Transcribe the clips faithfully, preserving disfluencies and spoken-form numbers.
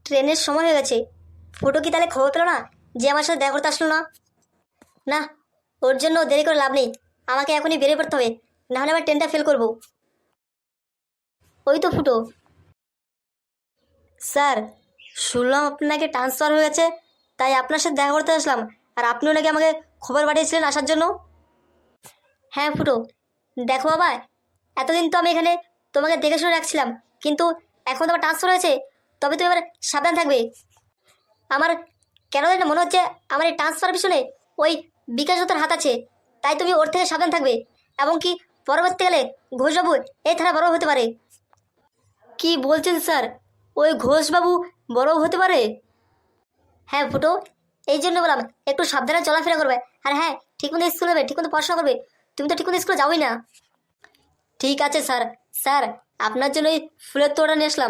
ট্রেনের সময় হয়ে গেছে। ফুটো কি তাহলে খবর পেলো না যে আমার সাথে দেখা করতে আসলো না? না, ওর জন্য দেরি করে লাভ নেই, আমাকে এখনই বেরিয়ে পড়তে হবে, নাহলে আমার ট্রেনটা ফেল করবো। ওই তো ফুটো। স্যার, শুনলাম আপনাকে ট্রান্সফার হয়ে গেছে, তাই আপনার সাথে দেখা করতে আসলাম। আর আপনিও নাকি আমাকে খবর পাঠিয়েছিলেন আসার জন্য। হ্যাঁ ফুটো, দেখো বাবা, এতদিন তো আমি এখানে তোমাকে দেখে শুনে রাখছিলাম, কিন্তু এখন তোমার ট্রান্সফার হয়েছে, তবে তুমি এবার সাবধান থাকবে। আমার কেন জানি না মনে হচ্ছে আমার এই ট্রান্সফার পিছনে ওই বিকাশ দত্তর হাত আছে, তাই তুমি ওর থেকে সাবধান থাকবে। এবং কি পরবর্তীকালে ঘোষবাবু এই থানা বড় হতে পারে। কি বলছেন স্যার, ওই ঘোষবাবু বড় হতে পারে? হ্যাঁ ফুটো, এই জন্য বললাম একটু সাবধানে চলাফেরা করবে। আর হ্যাঁ, ঠিক মতো স্কুল যাবে, ঠিক মতো পড়াশোনা করবে। তুমি তো ঠিক মতো স্কুলে যাবোই না। ঠিক আছে স্যার। স্যার, আপনার জন্য ওই ফুলের তোড়া নিয়ে আসলাম।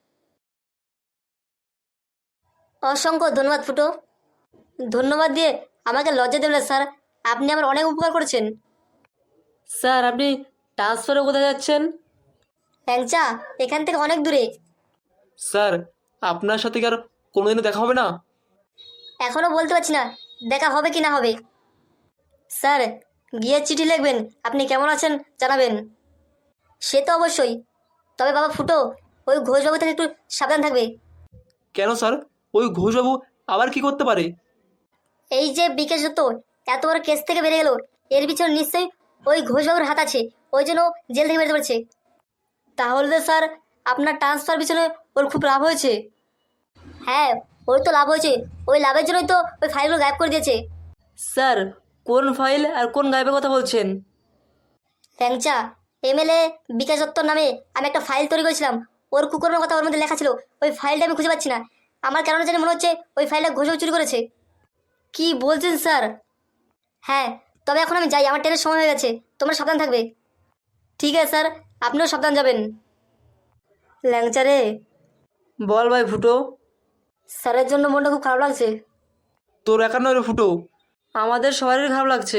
অসংখ্য ধন্যবাদ ফুটো। ধন্যবাদ দিয়ে আমাকে লজ্জা দেবেন না স্যার, আপনি আমার অনেক উপকার করেছেন। স্যার, আপনি ট্রান্সফারে কোথায় যাচ্ছেন? ল্যাংচা, এখান থেকে অনেক দূরে। স্যার, আপনার সাথে কি আর কোনোদিনও দেখা হবে না? এখনো বলতে পারছি না দেখা হবে কি না হবে। স্যার, গিয়ে চিঠি লিখবেন, আপনি কেমন আছেন জানাবেন। সে তো অবশ্যই, তবে বাবা ফুটো, ওই ঘোষবাবু থেকে একটু সাবধান থাকবে। কেন স্যার, ওই ঘোষবাবু আবার কি করতে পারে? এই যে বিকাশ দত্ত এত বড় কেস থেকে বেরিয়ে গেল, এর পিছনে নিশ্চয়ই ওই ঘোষবাবুর হাত আছে, ওই জন্য জেল থেকে বেরোতে পারছে। তাহলে তো স্যার আপনার ট্রান্সফার পিছনে ওর খুব লাভ হয়েছে। হ্যাঁ, ওর তো লাভ হয়েছে, ওই লাভের জন্যই তো ওই ফাইলগুলো গায়েব করে দিয়েছে। স্যার, কোন ফাইল আর কোন গায়েবের কথা বলছেন? ল্যাংচা, এমএলএ বিকাশ দত্তর নামে আমি একটা ফাইল তৈরি করেছিলাম, ওর কুকুরের কথা ওর মধ্যে লেখা ছিল। ওই ফাইলটা আমি খুঁজে পাচ্ছি না, আমার কেন জানি মনে হচ্ছে ওই ফাইলটা ঘোষবাবু চুরি করেছে। কি বলছেন স্যার? হ্যাঁ, তবে এখন আমি যাই, আমার ট্রেনের সময় হয়ে গেছে, তোমরা সাবধান থাকবে। ঠিক আছে স্যার, আপনিও সাবধান যাবেন। ল্যাংচা রে। বল ভাই ফুটো। স্যারের জন্য মনটা খুব খারাপ লাগছে। তোর একার নয় রে ফুটো, আমাদের সবারই খারাপ লাগছে।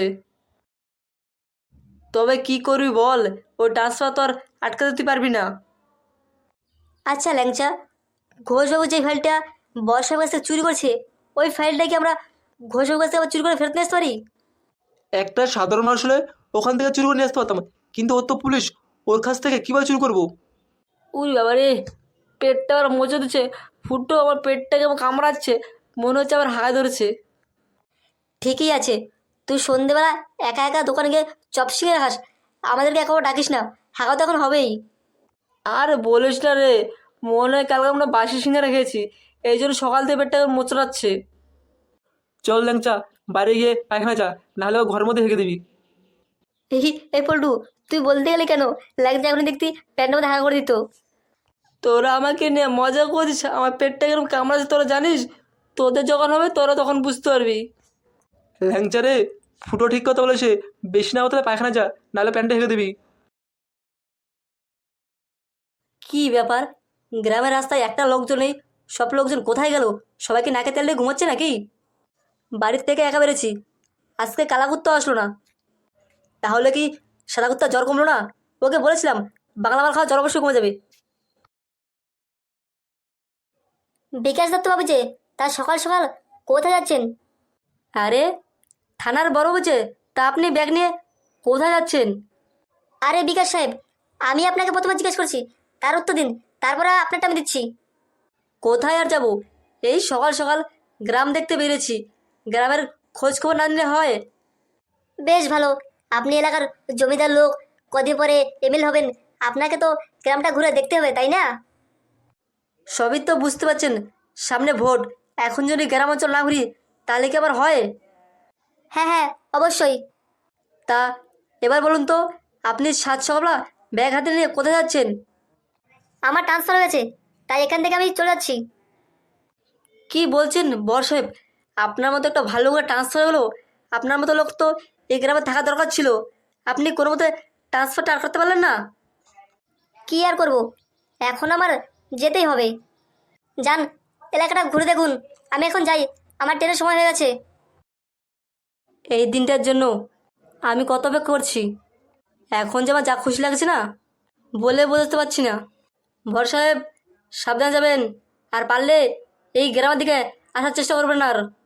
তবে কি করবি বল, ওই ট্রান্সফার তো আর আটকাতে তুই পারবি না। আচ্ছা ল্যাংচা, ঘোষবাবু যে ফাইলটা বর্ষার কাছ থেকে চুরি করছে, ওই ফাইলটা কি আমরা ঘোষবাবুর কাছ থেকে আবার চুরি করে ফেরত নিয়ে আসতে পারি? একটা সাধারণ মানুষ হলে ওখান থেকে চুরি করে নিয়ে আসতে পারতাম, কিন্তু ওর তো পুলিশ, ওর কাছ থেকে কীভাবে চুরি করবো? উই বাবা রে, পেটটা আবার মজে দিচ্ছে। ফুটো আমার পেটটাকে আমার কামড়াচ্ছে, মনে হচ্ছে আবার হায় ধরেছে। ঠিকই আছে, তুই সন্ধেবেলা একা একা দোকানে গিয়ে চপ শিখে খাস, আমাদেরকে একেবারে ডাকিস না, হাঁকা তো এখন হবেই। আর বলিস না রে, মনে হয় কালকে আমরা বাসি সিঙ্গারা খেয়েছি, এই জন্য সকাল থেকে পেটটা মোচড়াচ্ছে। চল ল্যাংচা, বাইরে গিয়ে পায়খানা যা, নাহলে ও ঘরের মধ্যে রেখে দিবি। এই এই পল্টু, তুই বলতে গেলে কেন? ল্যাংচা এখন দেখতি প্যান্টের মধ্যে হাঁকা করে দিত। তোরা আমাকে নিয়ে মজা করছিস, আমার পেটটা কিরকম কামড়াচ্ছে তোরা জানিস? তোদের যখন হবে তোরা তখন বুঝতে পারবি। ল্যাংচা রে, ফুটো ঠিক কথা বলেছে, বেশি না হতে পায়খানা যা, নাহলে প্যান্টটা রেখে দিবি। কি ব্যাপার, গ্রামের রাস্তায় একটা লোকজন নেই, সব লোকজন কোথায় গেল? সবাইকে নাকে তেল দিয়ে ঘুমোচ্ছে নাকি? বাড়ির থেকে একা বেরেছি, আজকে কালাকুত্তা আসলো না, তাহলে কি সাদা কুত্তা জ্বর কমলো না? ওকে বলেছিলাম বাংলা মাল খাওয়া জ্বর অবশ্যই কমে যাবে। বিকাশ দত্ত বাবু যে, তার সকাল সকাল কোথায় যাচ্ছেন? আরে, থানার বড় বুঝে, তা আপনি ব্যাগ নিয়ে কোথায় যাচ্ছেন? আরে বিকাশ সাহেব, আমি আপনাকে প্রথমে জিজ্ঞেস করছি, তার উত্তর দিন, তারপরে আপনারটা আমি দিচ্ছি। কোথায় আর যাব, এই সকাল সকাল গ্রাম দেখতে বেরিয়েছি, গ্রামের খোঁজ খবর না নিলে হয়? বেশ ভালো, আপনি এলাকার জমিদার লোক, কদিন পরে এমএল হবেন, আপনাকে তো গ্রামটা ঘুরে দেখতে হবে, তাই না? সবই তো বুঝতে পারছেন, সামনে ভোট, এখন যদি গ্রাম অঞ্চল না ঘুরি তাহলে কি আবার হয়? হ্যাঁ হ্যাঁ, অবশ্যই। তা এবার বলুন তো, আপনি সাত সকালবেলা ব্যাগ হাতে নিয়ে কোথায় যাচ্ছেন? আমার ট্রান্সফার হয়ে গেছে, তাই এখান থেকে আমি চলে যাচ্ছি। কি বলছেন বর সাহেব, আপনার মতো একটা ভালো করে ট্রান্সফার হলো? আপনার মতো লোক তো এই গ্রামে থাকা দরকার ছিল, আপনি কোনো মতে ট্রান্সফারটা আর করতে পারলেন না? কি আর করব, এখন আমার যেতেই হবে। যান, এলাকাটা ঘুরে দেখুন, আমি এখন যাই, আমার ট্রেনের সময় হয়ে গেছে। এই দিনটার জন্য আমি কত অপেক্ষা করছি, এখন যে আমার যা খুশি লাগছে না, বলে বোঝাতে পারছি না। ভর সাহেব, সাবধানে যাবেন, আর পারলে এই গ্রামের দিকে আসার চেষ্টা করবেন না আর